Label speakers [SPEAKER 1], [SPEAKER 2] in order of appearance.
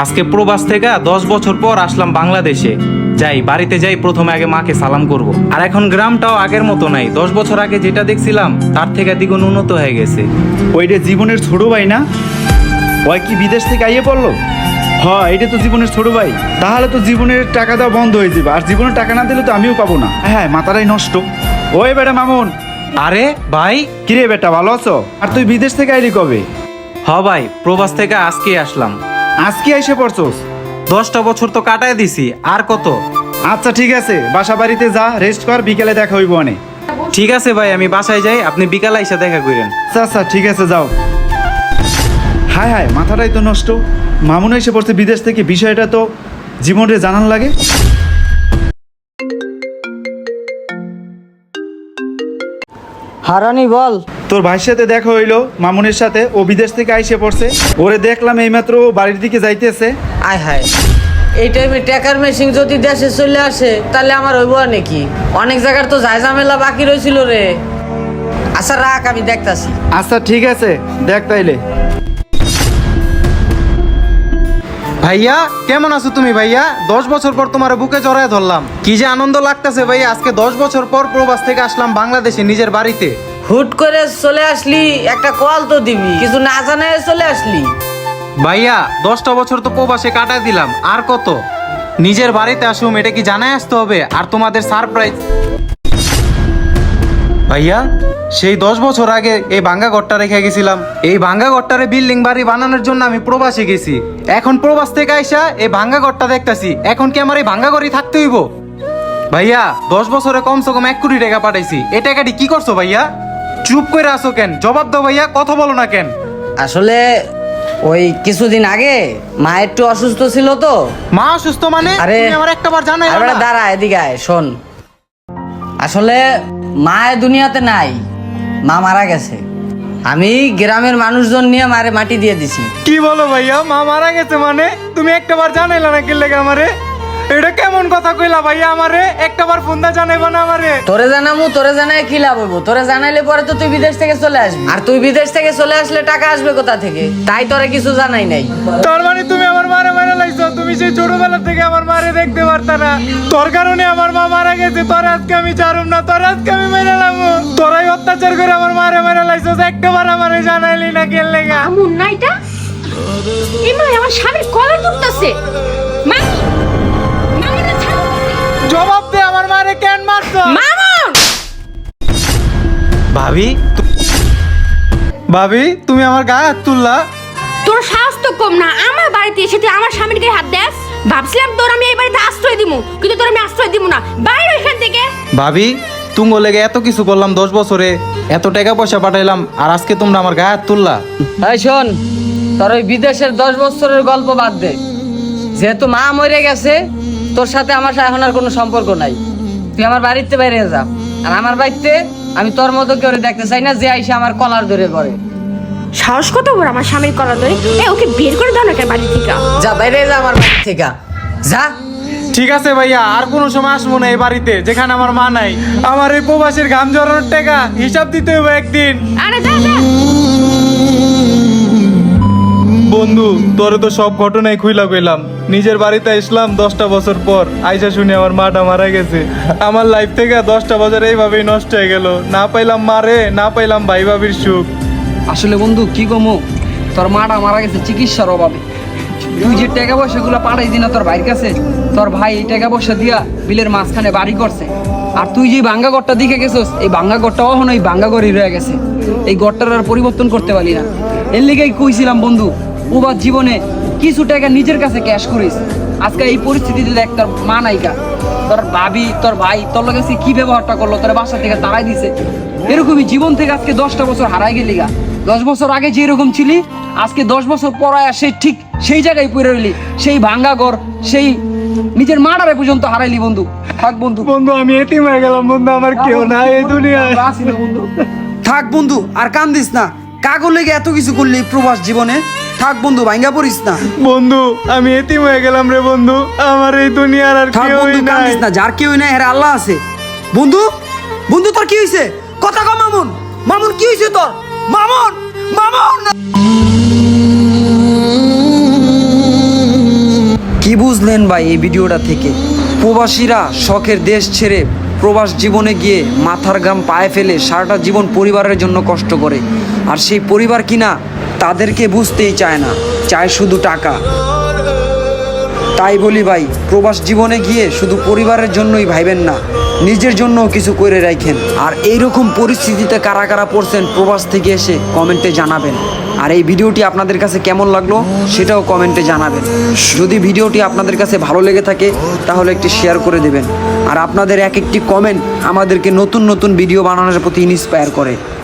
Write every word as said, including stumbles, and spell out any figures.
[SPEAKER 1] আজকে প্রবাস থেকে দশ বছর পর আসলাম বাংলাদেশে। যাই বাড়িতে যাই, প্রথমে আগে মাকে সালাম করব। আর এখন গ্রামটাও আগের মতো নাই, দশ বছর আগে যেটা দেখছিলাম তার থেকে দ্বিগুণ উন্নত হয়ে গেছে।
[SPEAKER 2] ওইটা জীবনের ছোট ভাই না? ওই কি বিদেশ থেকে আইয়ে পড়লো? হ্যাঁ, এটা তো জীবনের ছোট ভাই। তাহলে তো জীবনের টাকা দেওয়া বন্ধ হয়ে যাবে, আর জীবনের টাকা না দিলে তো আমিও পাবো না। হ্যাঁ, মাথাটাই নষ্ট। ওই বেটা মামুন।
[SPEAKER 1] আরে ভাই,
[SPEAKER 2] কিরে বেটা, ভালো আছো? আর তুই বিদেশ থেকে আইলি কবে?
[SPEAKER 1] হ ভাই, প্রবাস থেকে আজকে আসলাম।
[SPEAKER 2] আজকে এসে পড়ছোস?
[SPEAKER 1] দশটা বছর তো কাটায় দিছি, আর কত?
[SPEAKER 2] আচ্ছা ঠিক আছে, বাসা বাড়িতে যা, রেস্ট কর, বিকেলে দেখা হইব অনেক।
[SPEAKER 1] ঠিক আছে ভাই, আমি বাসায় যাই, আপনি বিকালে এসে দেখা করেন।
[SPEAKER 2] আচ্ছা আচ্ছা ঠিক আছে, যাও। হায় হায়, মাথাটাই তো নষ্ট। মামুন এসে পড়ছে বিদেশ থেকে, বিষয়টা তো জীবনে জানান লাগে।
[SPEAKER 3] হারানি বল।
[SPEAKER 2] তোর ভাইয়ের সাথে দেখা হইলো, মামুনের সাথে। ও বিদেশ থেকে আইসে পড়ছে, ওরে দেখলাম এইমাত্র বাড়ির দিকে যাইতেছে।
[SPEAKER 3] আয় হায়, এই টাইমে টাকার মেশিন যদি দেশে চলে আসে তাহলে আমার হইব নাকি? অনেক জায়গার তো যায় ঝামেলা বাকি রয়েছিল রে। আচ্ছা রাখ, আমি দেখতাছি।
[SPEAKER 2] আচ্ছা ঠিক আছে, দেখ তাইলে।
[SPEAKER 1] ভাইয়া কেমন আছো তুমি? ভাইয়া দশ বছর পর তোমার বুকে জড়ায় ধরলাম, কি যে আনন্দ লাগতেছে ভাইয়া। আজকে দশ বছর পর প্রবাস থেকে আসলাম বাংলাদেশে নিজের বাড়িতে।
[SPEAKER 3] হুট করে চলে আসলি, একটা কল তো দিবি, কিছু না জানায় চলে আসলি।
[SPEAKER 1] ভাইয়া দশটা বছর তো প্রবাসে কাটায় দিলাম, আর কত? নিজের বাড়িতে আসুম, এটা কি জানাই আসতে হবে? আর তোমাদের সারপ্রাইজ। ভাইয়া সেই দশ বছর আগে এই ভাঙ্গা ঘরটা রেখে গেছিলাম, এই ভাঙ্গা ঘরটারে বিল্ডিং বাড়ি বানানোর জন্য আমি প্রবাসে গেছি। এখন প্রবাস থেকে আইসা এই ভাঙ্গা ঘরটা দেখতাছি, এখন কি আমার এই ভাঙ্গা ঘরই থাকতে হইব? ভাইয়া দশ বছরে কমসে কম এক কোটি টাকা পাঠাইছি, এই টাকাটি কি করছো ভাইয়া? চুপ করে আসো কেন? জবাব দাও ভাইয়া, কথা বলো না কেন?
[SPEAKER 3] আসলে ওই কিছুদিন আগে মা একটু অসুস্থ ছিল তো।
[SPEAKER 1] মা অসুস্থ মানে?
[SPEAKER 3] আরে
[SPEAKER 1] তুমি আমার একটাবার জানাই
[SPEAKER 3] আরে বেটা দাঁড়া, এদিকে আয়, শোন। আসলে মা এ দুনিয়াতে নাই, মা মারা গেছে। আমি গ্রামের মানুষজন নিয়ে মারে মাটি দিয়ে দিছি।
[SPEAKER 1] কি বলো ভাইয়া, মা মারা গেছে মানে? তুমি একটাবার জানাইলা না কি লেগে আমারে? এটা কেমন কথা কইলা ভাইয়া আমারে? একটাবার ফোন দা জানাইবা না আমারে?
[SPEAKER 3] তোরে জানামু, তোরে জানাই কি লাভ হইব? তোরে জানাইলে পরে তো তুই বিদেশ থেকে চলে আসবি, আর তুই বিদেশ থেকে চলে আসলে টাকা আসবে কোথা থেকে? তাই তোরে কিছু জানাই নাই।
[SPEAKER 1] তার মানে তুমি আমার মারে মারা লাইছো? তুমি সেই ছোটবেলা থেকে আমার মারে দেখতে পারতা না, তোর কারণে আমার মা মারা গেছে। তোর আজকে আমি ছাড়ুম না, তোর আজকে আমি মেরে লামু। তোরাই অত্যাচার করে আমার মারে মারা লাইছো, একটাবার আমারে জানাইলি না কেন লেগা?
[SPEAKER 4] আমুন না এটা, এমা আমার স্বামীর কলার ধরতেছে। মা, মামুনের ছাড়ো।
[SPEAKER 1] জবাব দে, আমার মারে কেন মারছো?
[SPEAKER 4] মামুন,
[SPEAKER 1] ভাবি ভাবি তুমি আমার গায়ে হাত তুললা?
[SPEAKER 4] তোর সাহস তো কম না, আমার বাড়িতে এসে তুই আমার স্বামীর গায়ে হাত দেস? ভাবছিলাম তোর আমি এই বাড়িতে আশ্রয় দিমু, কিন্তু তোর আমি আশ্রয় দিমু না। বাইরে এখান থেকে।
[SPEAKER 1] ভাবি তুঙ্গ লেগে এত কিছু করলাম, দশ বছরে এত টাকা পয়সা পাঠাইলাম, আর আজকে তোমরা আমার গায়ে হাত তুললা?
[SPEAKER 3] এই শোন, তোর ওই বিদেশের দশ বছরের গল্প বাদ দে। যেহেতু মা মরে গেছে, তোর সাথে আমার এখন আর কোনো সম্পর্ক নাই। তুই আমার বাড়িতে বাইরে যা, আর আমার বাড়িতে আমি তোর মতো কেউ দেখতে চাই না যে আইসা আমার কলার ধরে করে।
[SPEAKER 4] সাহস কত বড় আমার স্বামীর কলার ধরে? এ ওকে বের করে দাও না কেন বাড়ি থেকে?
[SPEAKER 3] যা বাইরে যা আমার বাড়ি থেকে, যা।
[SPEAKER 1] ঠিক আছে ভাইয়া, আর কোনো সময় আসবো না এই বাড়িতে যেখানে আমার মা নাই। আমার এই প্রবাসের ঘাম জড়ানোর টাকা হিসাব দিতে হবে একদিন।
[SPEAKER 4] আরে যা যা।
[SPEAKER 1] বন্ধু তোরে তো সব ঘটনাই খুইলা কইলাম, নিজের বাড়িতে আসলাম দশটা বছর পর, আইসা শুনে আমার মাটা মারা গেছে। আমার লাইফ থেকে দশটা বছর এইভাবেই নষ্ট হয়ে গেল, না পাইলাম মারে, না পাইলাম ভাই ভাবির সুখ।
[SPEAKER 5] আসলে বন্ধু কি কমো, তোর মাটা মারা গেছে চিকিৎসার অভাবে। তুই যে টাকা পয়সা গুলো পাঠাই দিনা তোর ভাইয়ের কাছে, তোর ভাই এই টাকা পয়সা দিয়া বিলের মাঝখানে বাড়ি করছে। আর তুই যে ভাঙ্গা ঘরটা দিকে গেছিস, এই ভাঙ্গা ঘরটা এখন ওই ভাঙ্গা ঘরই রয়ে গেছে। এই ঘরটার আর পরিবর্তন করতে পারি না। এর লিগেই কইছিলাম বন্ধু, ওবার জীবনে কিছু টাকা নিজের কাছে ক্যাশ করিস। আজকে এই পরিস্থিতিতে দেখ, তোর মা নাইকা, তোর ভাবি, তোর ভাই তোর কাছে কি ব্যবহারটা করলো, তোর বাসা থেকে তাড়াই দিছে। এরকমই জীবন থেকে আজকে দশটা বছর হারাই গেলি গা। দশ বছর আগে যে এরকম ছিলি, আজকে দশ বছর পরায় সে ঠিক সেই জায়গায় পড়ে রইলি, সেই ভাঙ্গা ঘর, সেই নিজের মাটারে পর্যন্ত হারাইলি বন্ধু। থাক বন্ধু।
[SPEAKER 1] বন্ধু আমি এতিম হয়ে গেলাম বন্ধু, আমার কেউ নাই এই দুনিয়ায়।
[SPEAKER 5] থাক বন্ধু, আর কান্দিস না। কাগজ লেগে এত কিছু করলি প্রবাস জীবনে, থাক বন্ধু, ভাঙ্গা পড়িস না।
[SPEAKER 1] বন্ধু আমি এতিম হয়ে গেলাম রে বন্ধু, আমার এই দুনিয়ার আর
[SPEAKER 5] থাক
[SPEAKER 1] কেউই
[SPEAKER 5] বন্ধু,
[SPEAKER 1] নাই।
[SPEAKER 5] কান্দিস না, যার কেউ নাই এর আল্লাহ আছে। বন্ধু বন্ধু তোর কি হয়েছে? কথা কম। মামুন, মামুন কি হয়েছে তোর? মামুন, মামুন। কি বুঝলেন ভাই এই ভিডিওটা থেকে? প্রবাসীরা শখের দেশ ছেড়ে প্রবাস জীবনে গিয়ে মাথার ঘাম পায়ে ফেলে সারাটা জীবন পরিবারের জন্য কষ্ট করে, আর সেই পরিবার কিনা তাদেরকে বুঝতেই চায় না, চায় শুধু টাকা। তাই বলি ভাই, প্রবাস জীবনে গিয়ে শুধু পরিবারের জন্যই ভাইবেন না, নিজের জন্যও কিছু করে রাখেন। আর এইরকম পরিস্থিতিতে কারা কারা পড়ছেন প্রবাস থেকে এসে কমেন্টে জানাবেন। আর এই ভিডিওটি আপনাদের কাছে কেমন লাগলো সেটাও কমেন্টে জানাবেন। যদি ভিডিওটি আপনাদের কাছে ভালো লেগে থাকে তাহলে একটি শেয়ার করে দেবেন। আর আপনাদের এক একটি কমেন্ট আমাদেরকে নতুন নতুন ভিডিও বানানোর প্রতি ইন্সপায়ার করে।